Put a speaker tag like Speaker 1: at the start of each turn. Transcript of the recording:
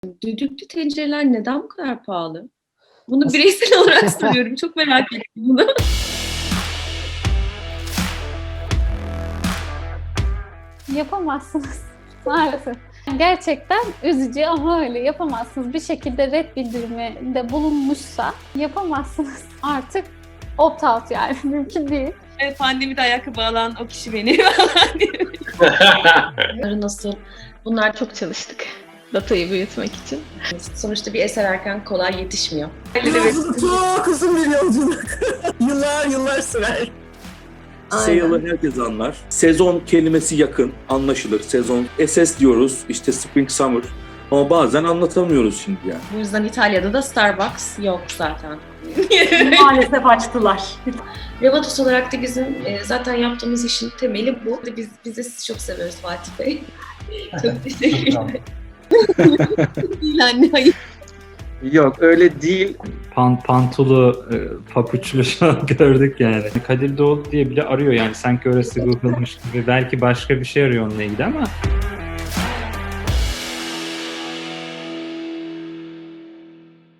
Speaker 1: Düdüklü tencereler neden bu kadar pahalı? Bunu bireysel olarak soruyorum. Çok merak ettim bunu.
Speaker 2: Yapamazsınız maalesef. Gerçekten üzücü ama öyle yapamazsınız. Bir şekilde red bildiriminde bulunmuşsa yapamazsınız. Artık opt out yani mümkün değil.
Speaker 1: Pandemide ayakkabı alan o kişi benim. Nasıl? Bunlar çok çalıştık. Datayı büyütmek için. Sonuçta bir eser erken kolay yetişmiyor.
Speaker 3: Çok uzun bir yolculuk. Yıllar sürer.
Speaker 4: Sale'ı herkes anlar. Sezon kelimesi yakın, anlaşılır. Sezon, SS diyoruz, işte Spring Summer. Ama bazen anlatamıyoruz şimdi yani.
Speaker 1: Bu yüzden İtalya'da da Starbucks yok zaten.
Speaker 3: Maalesef açtılar.
Speaker 1: Revatos olarak da bizim zaten yaptığımız işin temeli bu. Biz de sizi çok seviyoruz Fatih Bey. Çok teşekkürler. Değil anne, hayır.
Speaker 5: Yok öyle değil. Pantolu, papuçlu şu an gördük yani. Kadir Doğulu diye bile arıyor yani sanki orası Google'mış gibi. Belki başka bir şey arıyor onunla ilgili ama